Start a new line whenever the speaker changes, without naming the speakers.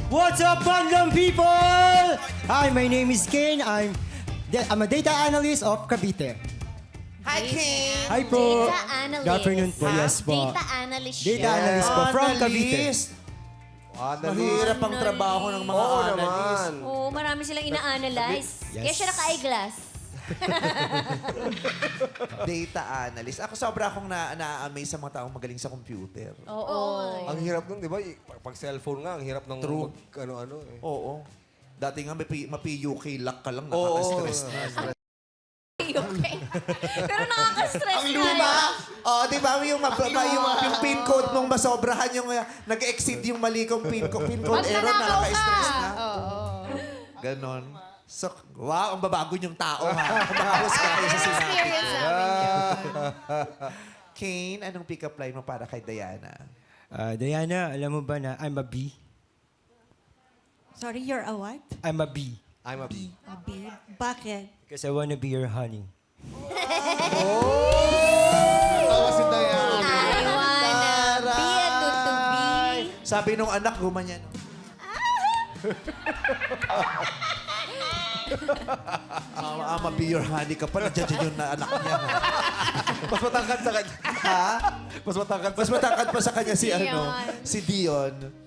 What's up, Bandang people? Hi, my name is Kane. I'm a data analyst of Cavite.
Hi, King!
Hi po.
Data analyst.
Good afternoon po. Yes po.
Data analyst siya.
Data analyst po from Cavite.
Mahirap ang trabaho ng mga analyst.
Oo, marami silang ina-analyze.
Yes.
Kaya siya naka-eyeglass.
Data analyst. Ako sobra akong na-amaze sa mga taong magaling sa computer.
Oo.
Ang hirap nun, di ba? Pag cellphone nga, ang hirap ng
True.
ano-ano eh.
Oo. Dati nga ma-PUK lock ka lang,
Oo.
nakaka-stress na.
Okay. Pero nakaka-stress
Ang
na
luma!
yun.
Oo, di ba? Yung pin code mong masobrahan, yung nag-exceed yung mali kong pin code error, nakaka-stress na. Ganon. So, wow, ang babago niyong tao, ha? Kumakas ka kayo sa sinabi.
Experience namin yun.
Kane, anong pick-up line mo para kay Diana?
Diana, alam mo ba na I'm a bee?
Sorry, you're a what?
I'm a bee.
I'm a bee.
A bee? Bakit?
Because I wanna be your honey.
Tawa si Diana.
I wanna be a tutubi.
Sabi nung anak, gumanyan. Ama, be your honey ka pa. Nandiyan yung anak niya. Ha?
Mas matangkad sa kanya.
Ha?
Mas matangkad sa
Mas matangkad pa sa kanya si
Dion.
si Dion.